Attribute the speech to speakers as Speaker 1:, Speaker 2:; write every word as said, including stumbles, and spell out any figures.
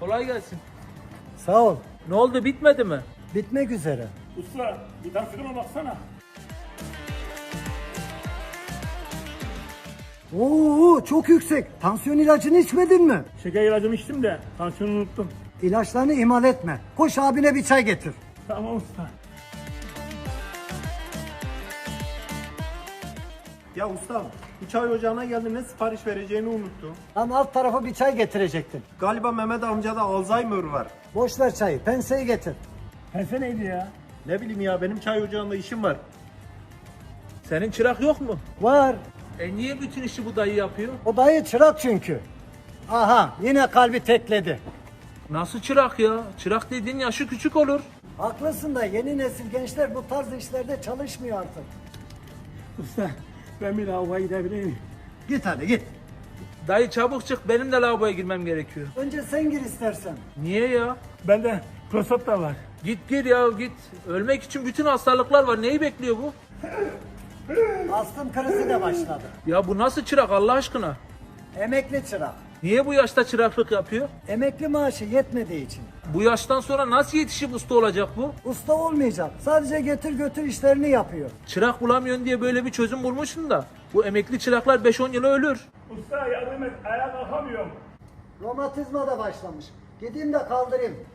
Speaker 1: Kolay gelsin.
Speaker 2: Sağ ol.
Speaker 1: Ne oldu, bitmedi mi?
Speaker 2: Bitmek üzere.
Speaker 3: Usta bir tansiyona baksana.
Speaker 2: Oo, çok yüksek. Tansiyon ilacını içmedin mi?
Speaker 3: Şeker ilacımı içtim de tansiyonu unuttum.
Speaker 2: İlaçlarını ihmal etme. Koş abine bir çay getir.
Speaker 3: Tamam usta.
Speaker 4: Ya ustam, bu çay ocağına geldim, ne sipariş vereceğimi unuttum.
Speaker 2: Lan alt tarafa bir çay getirecektin.
Speaker 4: Galiba Mehmet amcada Alzheimer var.
Speaker 2: Boş ver çayı. Penseyi getir.
Speaker 3: Pense neydi ya?
Speaker 4: Ne bileyim ya, benim çay ocağında işim var.
Speaker 1: Senin çırak yok mu?
Speaker 2: Var.
Speaker 1: E niye bütün işi bu dayı yapıyor?
Speaker 2: O dayı çırak çünkü. Aha, yine kalbi tekledi.
Speaker 1: Nasıl çırak ya? Çırak dediğin yaşı küçük olur.
Speaker 2: Haklısın da yeni nesil gençler bu tarz işlerde çalışmıyor artık.
Speaker 3: Usta ben bir lavaboya gidebilir miyim?
Speaker 2: Git hadi git.
Speaker 1: Dayı çabuk çık, benim de lavaboya girmem gerekiyor.
Speaker 2: Önce sen gir istersen.
Speaker 1: Niye ya?
Speaker 3: Bende prostat da var.
Speaker 1: Git gir ya git. Ölmek için bütün hastalıklar var. Neyi bekliyor bu?
Speaker 2: Astım krizi de başladı.
Speaker 1: Ya bu nasıl çırak Allah aşkına?
Speaker 2: Emekli çırak.
Speaker 1: Niye bu yaşta çıraklık yapıyor?
Speaker 2: Emekli maaşı yetmediği için.
Speaker 1: Bu yaştan sonra nasıl yetişip usta olacak bu?
Speaker 2: Usta olmayacak. Sadece getir götür işlerini yapıyor.
Speaker 1: Çırak bulamıyorsun diye böyle bir çözüm bulmuşsun da. Bu emekli çıraklar beş on yıla ölür.
Speaker 3: Usta yardım et, ayağa kalkamıyorum.
Speaker 2: Romatizma da başlamış. Gideyim de kaldırayım.